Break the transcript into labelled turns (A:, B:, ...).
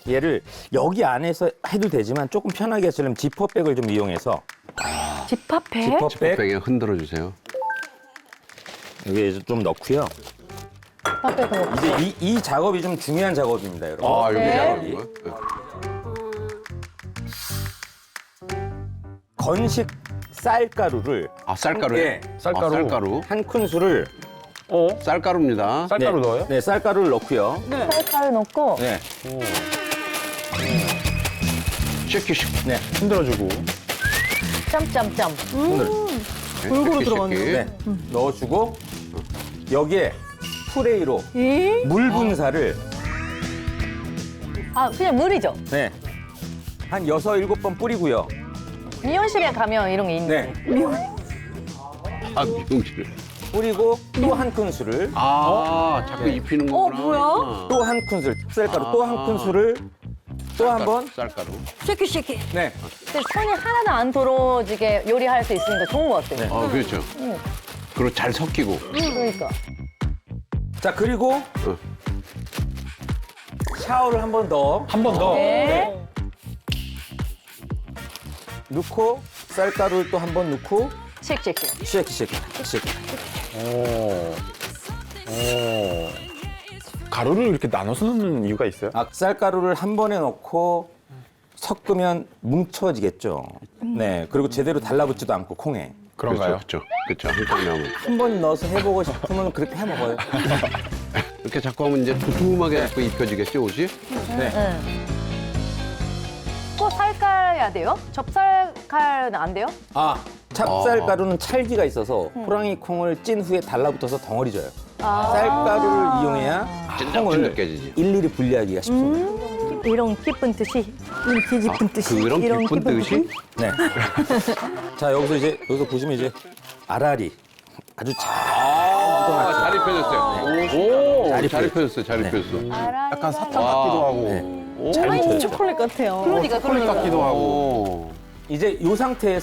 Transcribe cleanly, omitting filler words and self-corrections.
A: 얘를 여기 안에서 해도 되지만 조금 편하게 하시려면 지퍼백을 좀 이용해서
B: 집합해?
A: 지퍼백
C: 뺑에 흔들어 주세요.
A: 여기에 좀 넣고요.
B: 집합백을 넣고.
A: 이제 이 작업이 좀 중요한 작업입니다, 여러분.
C: 아, 여기
B: 네.
C: 작업인 거야?
A: 건식 쌀가루를
C: 아, 쌀가루.
A: 네,
D: 쌀가루.
C: 아, 쌀가루.
A: 한 큰술을
C: 쌀가루입니다.
D: 쌀가루 넣어요?
A: 네, 쌀가루를 넣고요.
B: 쌀가루 넣고.
A: 네,
C: 쉐키.
A: 네,
D: 흔들어주고.
B: 짬짬짬.
A: 손을
C: 골고루 들어갔네.
A: 네, 넣어주고 여기에 프레이로
B: 이?
A: 물 분사를
B: 아, 그냥 물이죠?
A: 네, 한 6, 7번 뿌리고요.
B: 미용실에 가면 이런 게 있는데.
A: 네,
C: 아, 미용실.
A: 뿌리고 또 한 큰술을
C: 아, 자꾸
A: 네.
C: 입히는 거구나.
B: 뭐야?
A: 또 한 큰술 쌀가루 또 한 큰술을 또 한 번.
C: 쌀가루.
B: 쉐키.
A: 네,
B: 근데 손이 하나도 안 더러워지게 요리할 수 있으니까 좋은 것 같아요.
A: 네.
C: 아, 그렇죠. 그리고 잘 섞이고.
B: 그러니까.
A: 자 그리고 샤워를 한 번 더
D: 한 번 더.
B: 네.
A: 넣고 쌀가루를 또 한 번 넣고
B: 쉐키.
A: 쉐이크.
D: 오. 가루를 이렇게 나눠서 넣는 이유가 있어요?
A: 아, 쌀가루를 한 번에 넣고 섞으면 뭉쳐지겠죠. 네, 그리고 제대로 달라붙지도 않고 콩에.
D: 그런가요?
C: 그렇죠. 한탕 나오면.
A: 한 번 넣어서 해보고 싶으면 그렇게 해 먹어요.
C: 이렇게 자꾸 하면 이제 두툼하게 자꾸 입혀지겠죠, 옷이?
A: 네.
B: 또 살까야 돼요? 접살칼은 안 돼요?
A: 아, 찹쌀가루는 찰기가 있어서 호랑이 콩을 찐 후에 달라붙어서 덩어리 져요. 쌀가루를 이용해야
C: 찐득찐득
A: 콩을
C: 느껴지지.
A: 일일이 분리하기가 쉽습니다.
B: 이런 기쁜 뜻이, 이렇게 기쁜 뜻이.
C: 그런 기쁜 뜻이?
A: 네. 자, 여기서 보시면 이제 알알이 아주 잘 묻어났죠.
C: 잘 입혀졌어요. 오,
A: 잘
C: 잘
A: 입혀졌어요.
C: 입혀졌어요. 잘 입혀졌어.
D: 약간 사탕 같기도 하고.
A: 네. 잘
B: 아니,
A: 묻혀졌죠.
B: 초콜릿 같아요.
D: 초콜릿 같기도 하고.
C: 오.
A: 이제 이 상태에서